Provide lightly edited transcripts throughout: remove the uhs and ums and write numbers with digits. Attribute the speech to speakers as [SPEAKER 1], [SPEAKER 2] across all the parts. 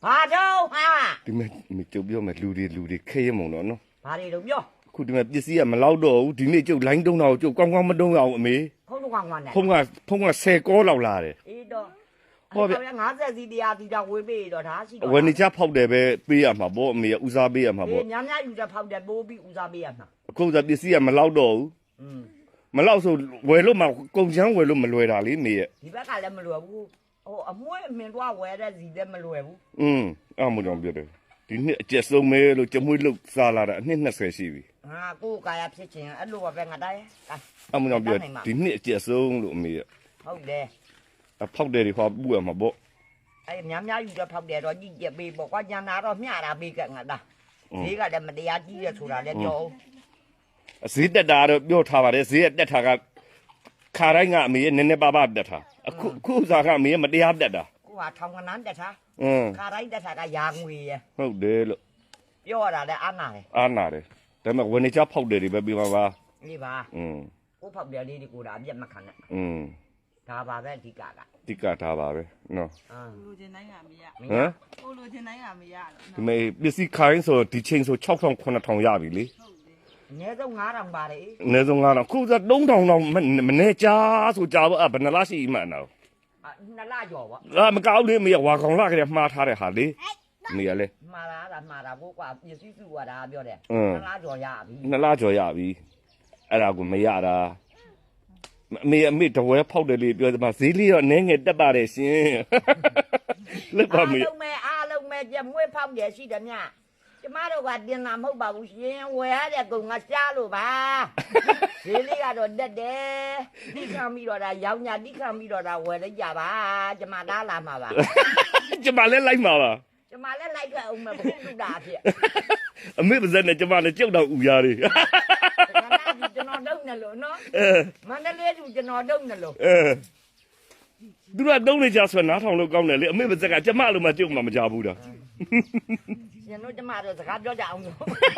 [SPEAKER 1] ဘာတော့ဟာ
[SPEAKER 2] ဒီမဲ့ကျုပ်ပြောမယ်လူတွေခဲရမုံတော့နော်
[SPEAKER 1] ဘာတွေတော့ပြော
[SPEAKER 2] အခုဒီမဲ့ပစ္စည်းကမလောက်တော့ဘူးဒီနေ့ကျုပ်လိုင်းတုံးတော့ကျုပ်ကောင်းကောင်းမတုံးအောင်အမေ
[SPEAKER 1] ဖုန်းတော့ကွာနဲ့
[SPEAKER 2] ဖုန်းက10ကောလောက်လာတယ်
[SPEAKER 1] အေးတော့ဟုတ်ဗျ50စီတရားတီတာဝေးပေးတော့ဒါရှိတော့
[SPEAKER 2] ဝယ်နေချဖောက်တယ်ပဲပေးရမှာပေါ့အမေဦးစားပေးရမှာပေါ့
[SPEAKER 1] များယူတဲ့ဖောက်တယ်ပိုးပြီးဦးစားပေးရမှာ
[SPEAKER 2] အခုကပစ္စည်းကမလောက်တော့ဘူးမလောက်ဆိုဝယ်လို့မှကုန်ချမ်းဝယ်လို့မလွယ်တာလေနေရဲ့
[SPEAKER 1] ဒီဘက်ကလည်းမလွယ်ဘူးဟိုအမွှေးအမင်တော့ဝယ်တဲ့စီလည်းမလွယ်ဘူး
[SPEAKER 2] အဲ့မို့ကြောင့်ပြောတယ်ဒီနှစ်အကျက်ဆုံးပဲလို့ကြမွေးလုတ်စားလာတာအနှစ်20ရှိပြီ
[SPEAKER 1] ဟာကိုယ်ကာယဖြစ်ခြင်းအဲ့လိုပဲငါတိုင်း
[SPEAKER 2] အဲ့မို့ကြောင့်ပြောဒီနှစ်အကျက်ဆုံးလို့အမေရဲ့
[SPEAKER 1] ဟုတ်တယ်
[SPEAKER 2] ဖောက်တယ်ဒီဟောပူရမှာပေါ့
[SPEAKER 1] အဲ့များယူတဲ့ဖောက်တယ်တော့ကြည့်ကြပေးပေါ့ကွာညနာတော့မျှတာပေးကငါတာဈေးကလည်းမတရားကြီးရဆိုတာလည်းပြော
[SPEAKER 2] ဈေးတက်တာတော့ပြောထားပါတယ်ဈေးတက်တာကခါတိုင်းကအမေရဲ့နည်းနည်းပါးပါးတက်တာအခုစားကအမေရဲ့မတရားတက်တာ
[SPEAKER 1] ကိုကထောင်ကနန်းတက်တာခါတိုင်းတက်တာကရာငွေရ
[SPEAKER 2] ဟုတ်တယ်လို့
[SPEAKER 1] ပြောရတာလည်းအားနာတယ်
[SPEAKER 2] ဒါပေမဲ့ဝယ်နေချဖောက်တယ်တွေပဲပြီးပါ
[SPEAKER 1] လေးပါကိုဖောက်တယ်လေးတွေကိုဒါအပြတ်မခံနဲ့ဒါပါပဲအဓိက
[SPEAKER 2] ဒါပါပဲနော်
[SPEAKER 3] လိုချင်တိုင်းကမရ
[SPEAKER 2] ဟမ်
[SPEAKER 3] ကိုလိုချင်တိုင်းကမရ
[SPEAKER 2] ဒီမဲ့ပစ္စည်းခိုင်းဆိုဒီချိန်ဆို6000 9000ရပြီလေ
[SPEAKER 1] အနည်းဆုံး9000ပါတယ်
[SPEAKER 2] အနည်းဆုံး9000ခုစား3000တော့မနေကြဆိုကြပါဘယ်နှလားရှိမှန်းတော့
[SPEAKER 1] နှစ်လကျော်ပေါ့
[SPEAKER 2] မကောက်လေမရဝါကောင်လာကလေးမှားထားတဲ့ဟာလေနေရလေ
[SPEAKER 1] မှားတာကိုကွာပစ္စည်းစုရတာပြောတယ်နှစ်လကျော်ရပြီ
[SPEAKER 2] နှစ်လကျော်ရပြီအဲ့ဒါကိုမရတာအမေတဝဲဖောက်တယ်လေပြောစမှာဈေးလေးတော့နည်းငယ်တက်ပါတယ်ရှင်လက်ပါမေ
[SPEAKER 1] အားလုံးပဲကြမွေးဖောက်တယ်ရှိတယ်မြကျမတို့ကတင်တာမဟုတ်ပါဘူးရှင်ဝယ်ရတဲ့ကုံကရှားလို့ပါဈေးလေးကတော့တက်တယ်တိခံပြီးတော့ဒါရောင်းညာတိခံပြီးတော့ဒါဝယ်လိုက်ကြပါကျမသားလာမှာပါ
[SPEAKER 2] ကျမလည်းလိုက်မှာပါ
[SPEAKER 1] ကျမလည်းလိုက်ခဲ့အောင်မယ်ဘုသူတာဖြစ်
[SPEAKER 2] အမေပါဇက်နဲ့ကျမလည်းကြောက်တော့ဥရားတွေ
[SPEAKER 1] ကျွန်တော်တုံးနေလို့နော်မန္တလေးသူကျွန်တော်တုံးနေလို့
[SPEAKER 2] သူကတုံးနေကြဆိုနားထောင်လို့ကောင်းတယ်လေအမေပါဇက်ကကျမလိုမှကြုံမှမကြဘူးတာ
[SPEAKER 1] ရှင်တို့ကျမတို့စကားပြောကြအောင်လို့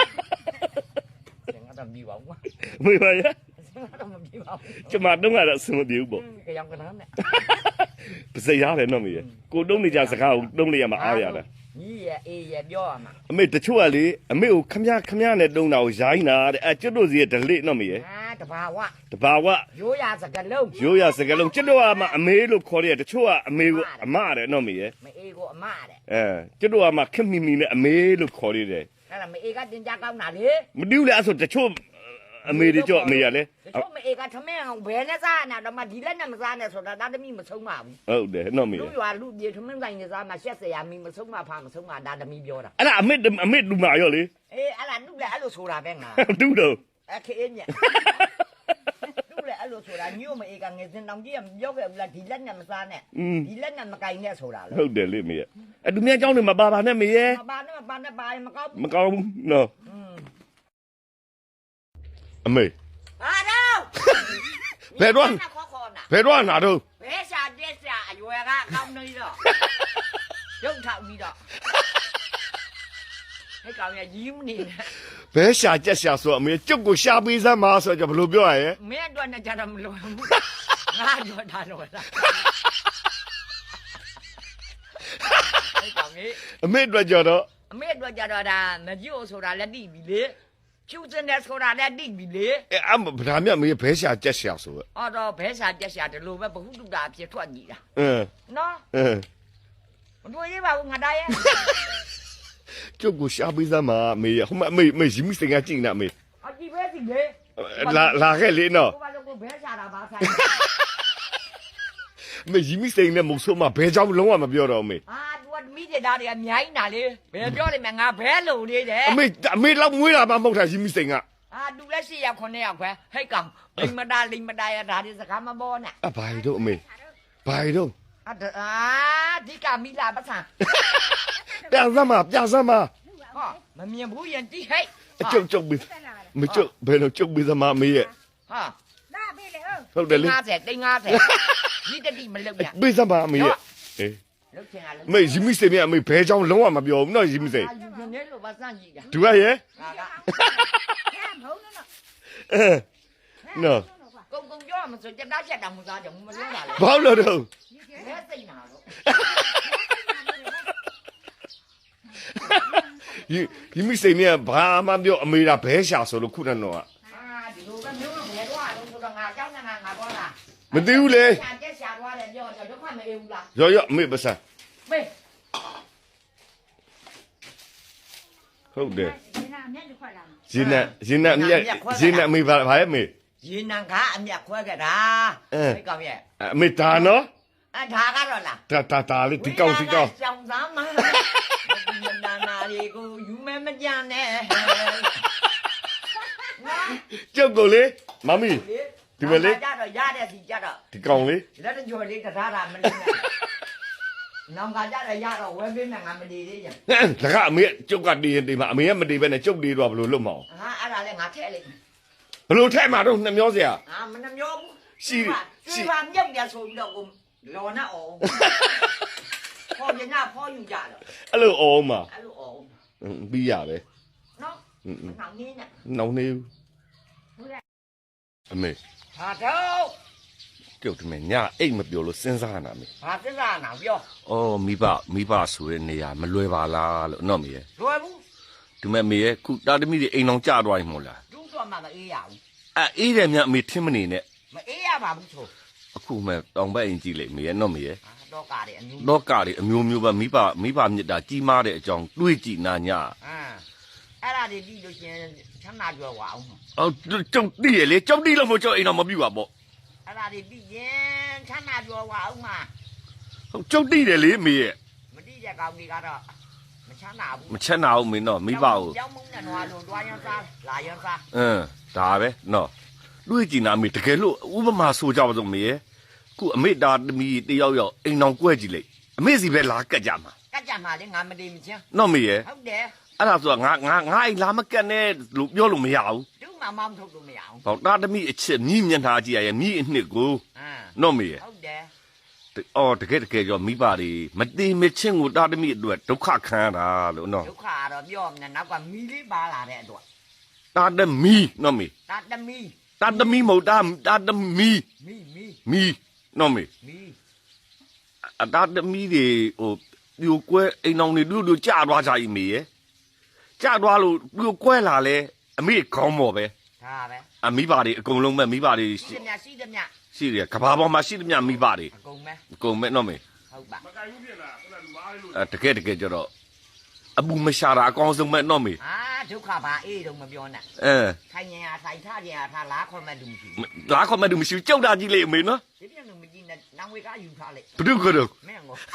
[SPEAKER 1] ငါတော့ပြီးပါဦး
[SPEAKER 2] မေပါရ
[SPEAKER 1] ငါတော့မပြီးပါဘူး
[SPEAKER 2] ကျမတုံးကတော့အဆင်မပြေဘူးပေါ့
[SPEAKER 1] ကြောင်ကနန်းနဲ့
[SPEAKER 2] ပါဇက်ရတယ်နော်မေကိုတုံးနေကြစကားကိုတုံးနေရမှာအားရတာ
[SPEAKER 1] ကြီးရဲ့အေးရဲ့ပြောရမှာ
[SPEAKER 2] အမေတချို့ကလေအမေကိုခမရနဲ့တုံးတာကိုရိုင်းတာတဲ့ကျွတ်တို့စီရဲ့ဒလိနော်မေ
[SPEAKER 1] တဘာဝရိုးရစကလုံး
[SPEAKER 2] ကျွတ်တို့ကမှအမေလို့ခေါ်တယ်တချို့ကအမေကိုအမတဲ့နော်မေ
[SPEAKER 1] မအေးကိုအမတဲ့
[SPEAKER 2] ကျွတ်တို့ကမှခက်မီနဲ့အမေလို့ခေါ်ရတယ်
[SPEAKER 1] အဲ့ဒါမအေးကတင်ကြကောင်းတာလေ
[SPEAKER 2] မတူးလေအဲ့ဆိုတချို့အမေတွေကြောအမေရလေ
[SPEAKER 1] တချို့မအေးကထမင်းအောင်ဘယ်နဲ့စားနေတာတော့မှဒီလက်နဲ့မစားနဲ့ဆိုတာဒါသမီးမဆုံးပါဘူး
[SPEAKER 2] ဟုတ်တယ်နော်မေ
[SPEAKER 1] လူရွာလူပြေထမင်းဆိုင်နေစားမှ80ရာမီမဆုံးမဖာမဆုံးမဒါသမီးပြောတာ
[SPEAKER 2] အဲ့ဒါအမေလူမာရောလေ
[SPEAKER 1] အေးအဲ့ဒါလူလည်းအဲ့လိုဆိုတာပဲငါ
[SPEAKER 2] တူးတော့
[SPEAKER 1] အခင်းညလူလည်းအဲ့လိုဆိုတာညို့မအေးကငယ်စင်တောင်ကြီးကပြောခဲ့ဘူးလားဒီလက်နဲ့မစားနဲ့ဒီလက်နဲ့မကင်နဲ့ဆိုတာလေ
[SPEAKER 2] ဟုတ်တယ်လေမေအဲ့သူများเจ้าနေမပါနဲ့မေ
[SPEAKER 1] မပါနဲ့မကောင်း
[SPEAKER 2] ဘူးနော်အမေ
[SPEAKER 1] ဟာတော့
[SPEAKER 2] ဘယ်တော့နာတော့
[SPEAKER 1] ဘယ်ရှာတက်ရှာအရွယ်ကကောင်းနေတော့ရုပ်ထောက်ပြီးတော့ဟဲ့ကောင်ရยิ้မနေနဲ့
[SPEAKER 2] ဘယ်ရှာကြက်ရှာဆိုအမေကျုပ်ကိုရှာပေးစမ်းပါဆိုတော့ဘယ်လိုပြောရရဲ့
[SPEAKER 1] မင်းအတွက်နဲ့ကြတော့မလွယ်ဘူးငါတော့ဒါတော့လားဟဲ့ကောင်ကြီး
[SPEAKER 2] အမေအတွက်ကြတော့
[SPEAKER 1] ဒါမကြည့်ဆိုတာလက်တိပြီလေကျူးစင်တဲ့ဆိုတာလည်းတိပြီလေ
[SPEAKER 2] ဒါမြတ်မေးဘဲရှာကြက်ရှာဆို
[SPEAKER 1] အော်တော့ဘဲရှာကြက်ရှာဒီလိုပဲဘ ഹു တုတာဖြစ်ထွက်နေတာနော်မတွေ့ရပါဘူးငါသားရဲ့
[SPEAKER 2] ကျုပ်ကိုရှာပေးစမ်းပါမေဟိုမမေရီမစင်ကကြည့်နေမေ
[SPEAKER 1] အကြည့်ပဲစီလေ
[SPEAKER 2] လာခဲ့လေနော်
[SPEAKER 1] ဘာလို့ကိုဘဲရှာတာပါဆိုင်
[SPEAKER 2] မေရီမစင်နဲ့မဆိုးမဘဲเจ้าလုံးဝမပြောတော့မေ
[SPEAKER 1] မိတဲ့သားတွေအများကြီးနာလေဘယ်ပြောလိမ့်မယ်ငါဘဲလုံနေတယ်
[SPEAKER 2] အမေလောက်မွေးတာမှမဟုတ်တာရီမစင်က
[SPEAKER 1] တူလက်ရှိရောက်9ရောက်ခွဲဟိတ်ကောင်လိမ္မတာရဒါဒီစကားမပေါ်နဲ့
[SPEAKER 2] ဘာတို့အမေဘာတို့
[SPEAKER 1] ဒီကမိလာပတ်စံ
[SPEAKER 2] ပြစမ်းမ
[SPEAKER 1] ဟာမမြင်ဘူးရင်တိဟိတ်
[SPEAKER 2] ကျုပ်ပြီးမကျုပ်ဘယ်လိုကျုပ်ပြီးသမားမေးရဲ့
[SPEAKER 1] ဟာ
[SPEAKER 3] လာပြီလေ
[SPEAKER 2] ဟုတ်တယ်လေ
[SPEAKER 1] 50 50ဒီတတိမလုပ်ရ
[SPEAKER 2] ပြီးစမ်းပါမေးရဲ့အေးမေရီမစင်အမေဘဲเจ้าလုံးဝမပြောဘူးနော်ရီမစင်
[SPEAKER 1] နေလို့ပါစမ်းကြည့်တာ
[SPEAKER 2] သူကရဲ့နော်
[SPEAKER 1] ကုံပြောမှဆိုကြက်သားချက်တောင်မစားကြဘူးမလို့ပါလေ
[SPEAKER 2] ဘာလို့တော့
[SPEAKER 1] မဲစိတ်နာတော့
[SPEAKER 2] ဒီမိစိန်เนี่ยဘာမှပြောအမေရာဘဲရှာဆိုလို့ခုနကတော့
[SPEAKER 1] ဒီလိုပဲမျိုးဘယ်တော့လို့ဆိုတော့ငါကြောက်နေတာငါတော့လား
[SPEAKER 2] မသိဘူးလေ
[SPEAKER 1] ရှာကျက်ရှာသွားတယ်ပြောတော့ဒုက္ခမအေးဘူးလား
[SPEAKER 2] ရောအမေပစံ
[SPEAKER 1] မေး
[SPEAKER 2] ဟုတ်တယ်
[SPEAKER 3] ဒီနာမြတ်တစ်ခွက်လာ
[SPEAKER 2] ရင်းနဲ့အမေဘာရဲ့မေ
[SPEAKER 1] ရေနံကားအမျက်ခွဲခဲ့တာဒီကောင်ရဲ့
[SPEAKER 2] အမေဒါနော်
[SPEAKER 1] ဒါကတော့လား
[SPEAKER 2] တာလေးဒီကောင်
[SPEAKER 1] ကြောင်သားမဒီနာလေးကိုယူမဲမကြနဲ့
[SPEAKER 2] ကျုပ်ကိုလေမမီ ဒီမလေး
[SPEAKER 1] ကြတော့ရတဲ့စီကြတော့
[SPEAKER 2] ဒီကောင်လေး
[SPEAKER 1] လက်တကြော်လေးတထားတာမလေးနဲ့နောင်ကကြတော့ရတော့ဝဲပေးမယ်ငါမတည်သေးရင်
[SPEAKER 2] ဒါကအမေကျုပ်ကတည်ရင်တည်မှာအမေကမတည်ပဲနဲ့ကျုပ်တည်တော့ဘယ်လိုလုပ်မအောင်
[SPEAKER 1] ဟာအဲ့ဒါလည်းငါထည့်လိုက်
[SPEAKER 2] ဘယ်လိုထဲမှာတော့နှမျောစရာ
[SPEAKER 1] ဟာမနှမျောဘူး
[SPEAKER 2] ရှိ
[SPEAKER 1] ရှိပါမြုပ်ရဆိုပြီးတော့ကိုလော်နဲ့အောင်ဖော်ရင်ကဖော်ယူကြတော့
[SPEAKER 2] အဲ့လိုအောင်မှာ
[SPEAKER 1] အဲ့လိုအောင်
[SPEAKER 2] ပြီးရပဲ
[SPEAKER 1] နော်နောင်နင်းနဲ့
[SPEAKER 2] နှောင်းနေဘူးအမေ
[SPEAKER 1] ဟာတော့
[SPEAKER 2] ကျုပ်တမညာအိတ်မပြောလို့စဉ်းစားနာမေ
[SPEAKER 1] ဘာသစ္စာနာပြော
[SPEAKER 2] အော်မိဘဆိုတဲ့နေရာမလွယ်ပါလားလို့နော်မေရဲ့
[SPEAKER 1] လွယ်ဘူး
[SPEAKER 2] ဒီမဲ့မေရဲ့ခုတာသမီတွေအိမ်အောင်ကြသွားရင်မို့လား
[SPEAKER 1] တူးတော့မှမအေးရဘူး
[SPEAKER 2] အေးတယ်မြအမေထင်းမနေနဲ့
[SPEAKER 1] မအေးရပါဘူးဆို
[SPEAKER 2] အခုမဲ့တောင်ဘက်အိမ်ကြည့်လိုက်မေရဲ့နော်မေရဲ့
[SPEAKER 1] တော့ကားတယ်အမျိုး
[SPEAKER 2] လောကတွေအမျိုးမျိုးပဲမိဘမြစ်တာကြီးမားတဲ့အကြောင်းတွေးကြည့်နာညာ
[SPEAKER 1] အဲ့ဒါတွေပြီးလို့ရှင်ချမ်းသာကြွယ်ဝအောင်
[SPEAKER 2] အော်ကျုပ်တည်ရလေကျုပ်တည်လို့မို့ကျုပ်အိမ်တော်မပြူပါပေါ့
[SPEAKER 1] အဲ့ဒါတွေပြီးရင်ချမ်းသာကြွယ်ဝအောင်မှာ
[SPEAKER 2] ဟုတ်ကျုပ်တည်တယ်လေမေရဲ့
[SPEAKER 1] မတိတဲ့ကောင်တွေကတော့မချမ်းသာဘူး
[SPEAKER 2] မချက်နာဘူးမင်းတော့မိဘကို
[SPEAKER 1] ကြောင်းမုန်းတဲ့နွားလုံးတွားရမ်းစားလာရမ်းစား
[SPEAKER 2] ဒါပဲနော်တွေးကြည့်နာမေတကယ်လို့ဥပမာဆိုကြပါစို့မေရဲ့ခုအမေတာသမီးတယောက်ယောက်အိမ်တော်ကွဲကြည့်လိုက်အမေစီပဲလာကတ်ကြမှာ
[SPEAKER 1] ကတ်ကြမှာလေငါမတည်မချင်း
[SPEAKER 2] နော်မေရဲ့
[SPEAKER 1] ဟုတ်တယ်
[SPEAKER 2] အဲ့ဒါဆိုငါအိမ်လာမကတ်နဲ့လို့ပြောလို့မရဘူး
[SPEAKER 1] တူးမှမောင်းထုတ်လို့မရအောင်
[SPEAKER 2] ဟောတာသမီးအချစ်မြည်မျက်နှာကြည့်ရရဲ့မြည်အနှစ်ကိုနော်မေရဲ့
[SPEAKER 1] ဟုတ်တယ်
[SPEAKER 2] အော်တကယ်ကြောမိဘတွေမတိမချင်းကိုတာသမီအတွက်ဒုက္ခခံရတာလို့နော်
[SPEAKER 1] ဒုက္ခကတော့ပြောမနေနောက်ကမီလေးပါလာတဲ့အတွက်
[SPEAKER 2] တာသမီနော်မေ
[SPEAKER 1] တာသမီ
[SPEAKER 2] တာသမီမဟုတ်တာသမီ
[SPEAKER 1] မီ
[SPEAKER 2] နော်မေ
[SPEAKER 1] မီ
[SPEAKER 2] အတာသမီတွေဟိုဒီကိုကွဲအိမ်အောင်တွေတို့ကြာသွားကြပြီမေရဲ့ကြာသွားလို့ဒီကိုကွဲလာလဲအမေခေါင်းမော်ပဲ
[SPEAKER 1] ဒါပဲ
[SPEAKER 2] အမိဘတွေအကုန်လုံးပဲမိဘတွေ
[SPEAKER 1] ရှိတယ်ရှိတယ်မြ
[SPEAKER 2] ရှိတယ်ကဘာပေါ်မှာရှိသမျှမိဘတွေ
[SPEAKER 1] အကုန်ပဲ
[SPEAKER 2] အကုန်မဲ့နော်မေ
[SPEAKER 1] ဟုတ်ပါ
[SPEAKER 2] တကယ်ကြတော့အပူမရှာတာအကောင်းဆုံးမဲ့နော်မေ
[SPEAKER 1] အာဒုက္ခပါအေးတော့မပြောနဲ့ ထိုင်ရင်အားထိုင်ထားရင်အားထားလားခွန်မဲ့သူမရှိဘူး
[SPEAKER 2] လာခေါ်မဲ့သူမရှိဘူးကြောက်တာကြီးလေအမေနော်
[SPEAKER 1] ဒီပြန်လို့မကြည့်နဲ့နောင်ဝေကယူထားလိုက်
[SPEAKER 2] ဘုဒ္ဓကတော့
[SPEAKER 1] မင်းကို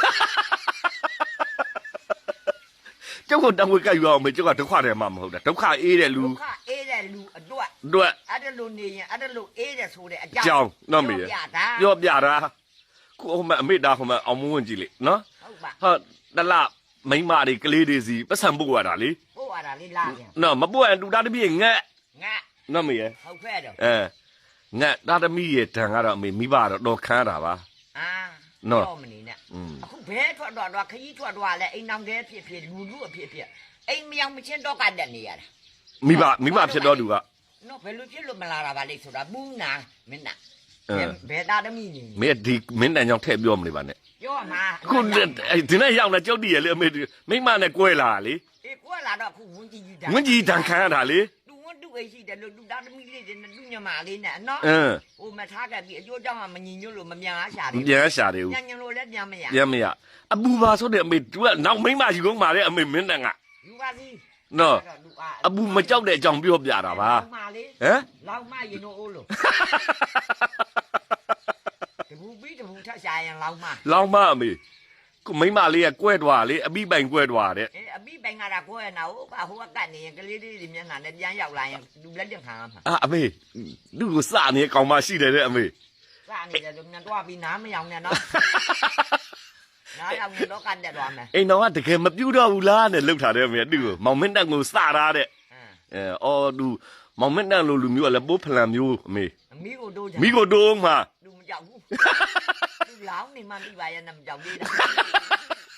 [SPEAKER 2] ကျောက်ကတံဝေကယူအောင်မေကျောက်ကဒုက္ခတယ်မှမဟုတ်တာဒုက္ခအေးတဲ့လူ
[SPEAKER 1] ဒုက္ခအေးတဲ့လူအတွက်
[SPEAKER 2] တို့
[SPEAKER 1] အဲ့ဒါလိုနေရင်အဲ့ဒါလိုအေးတဲ့ဆိုတဲ့အ
[SPEAKER 2] ကြော
[SPEAKER 1] ကြော
[SPEAKER 2] င်းနော်မေ
[SPEAKER 1] ပြတာ
[SPEAKER 2] ပြောပြတာခုဟိုမဲ့အမေတာဟိုမဲ့အောင်မဝင်ကြည့်လေနော်
[SPEAKER 1] ဟုတ်ပါ
[SPEAKER 2] ဟာတလမိမတွေကလေးတွေစီပတ်စံပုတ်ရတာလေ
[SPEAKER 1] ပို့ရတာလေးလာပြန်
[SPEAKER 2] နော်မပုတ်ရင်တူတာတပည့်ငက်
[SPEAKER 1] ငါ
[SPEAKER 2] နော်မေရဲ့
[SPEAKER 1] ဟုတ်ဖဲ့တော့
[SPEAKER 2] ငက်တာသမီးရဲ့တန်ကတော့အမေမိဘတော့တော်ခမ်းတာပါ
[SPEAKER 1] အာ
[SPEAKER 2] နော်
[SPEAKER 1] တော့မနေနဲ့အခုဘဲထွက်တော့ခကြီးထွက်တော့လဲအိမ်နောင်တဲဖြစ်ဖြစ်လူလူအဖြစ်ဖြစ်အိမ်မယောင်မချင်းတော့ကတက်နေရတာ
[SPEAKER 2] မိဘဖြစ်တော့သူက
[SPEAKER 1] နော်ဘယ်လိုဖြစ်လို့မလာတာပါလိမ့်ဆိုတာဘူးနာမင်းနာဘယ်သားသမီးနေ
[SPEAKER 2] မင်းဒီမင်းတန်ကြောင့်ထည့်ပြောမနေပါနဲ့
[SPEAKER 1] ပြောမှာ
[SPEAKER 2] ခုဒီနေ့ရောက်လာကြောက်တည်ရလေအမေမိမနဲ့ကွဲလာလေ
[SPEAKER 1] အေးကွာလာတော့အခုဝင်းကြီးတာ
[SPEAKER 2] ဝင်းကြီးတန်ခမ်းရတာလေ
[SPEAKER 1] သူဝင်းတူအိရှိတယ်လို့သူသားသမီးလေးတွေနဲ့သူညမလေးနဲ့နော်ဟိုမထားခဲ့ပြီးအကျိုးကြောင့်မညီညွတ်လို့မမြန်အားရှာတယ်
[SPEAKER 2] ပြန်ရှာတယ်ဦး
[SPEAKER 1] ညံညံလို့လည်းပြန်မရ
[SPEAKER 2] ပြန်မရအပူပါဆိုတဲ့အမေသူကနောက်မိမယူကုန်ပါလေအမေမင်းတန်က
[SPEAKER 1] ယူပါစီ
[SPEAKER 2] နော်အပူမကြောက်တဲ့အကြောင်းပြောပြတာပါ
[SPEAKER 1] မာလေး
[SPEAKER 2] ဟမ်
[SPEAKER 1] လောက်မရင်တော့အိုးလို့တဘူပြီးတဘူထက်ရှာရင်လောက်မ
[SPEAKER 2] လောင်းမအမေကိုမိမလေးကကွဲသွားလေအပိပိုင်ကွဲသွားတဲ့
[SPEAKER 1] အေးအပိပိုင်ကတာကိုရနာဟိုကကတ်နေရင်ကလေးလေးတွေမျက်နှာနဲ့ပြန်ရောက်လာရင်လူလက်တင်ခံရမှာ
[SPEAKER 2] အမေသူ့ကိုစနေကောင်မရှိတယ်တဲ့အမေ
[SPEAKER 1] စနေတယ်လို့မြန်တော့ပြီးနားမယောင်နဲ့နော်နားယောင်တော့ကတ်တက်သွားမယ်
[SPEAKER 2] အိမ်တော်ကတကယ်မပြူတော့ဘူးလားနဲ့လှုပ်ထားတယ်အမေသူ့ကိုမောင်မင်းတက်ကိုစထားတဲ့အော်သူမောင်မင်းတက်လိုလူမျိုးကလည်းပိုးဖလန်မျိုးအမေ
[SPEAKER 1] မိကိုတို့
[SPEAKER 2] မိကိုတိုးမှာ
[SPEAKER 1] လူမကြောက်ဘူးလူလောင်းနေမှမိပါရဲ့နဲ့မကြောက်သေးတာ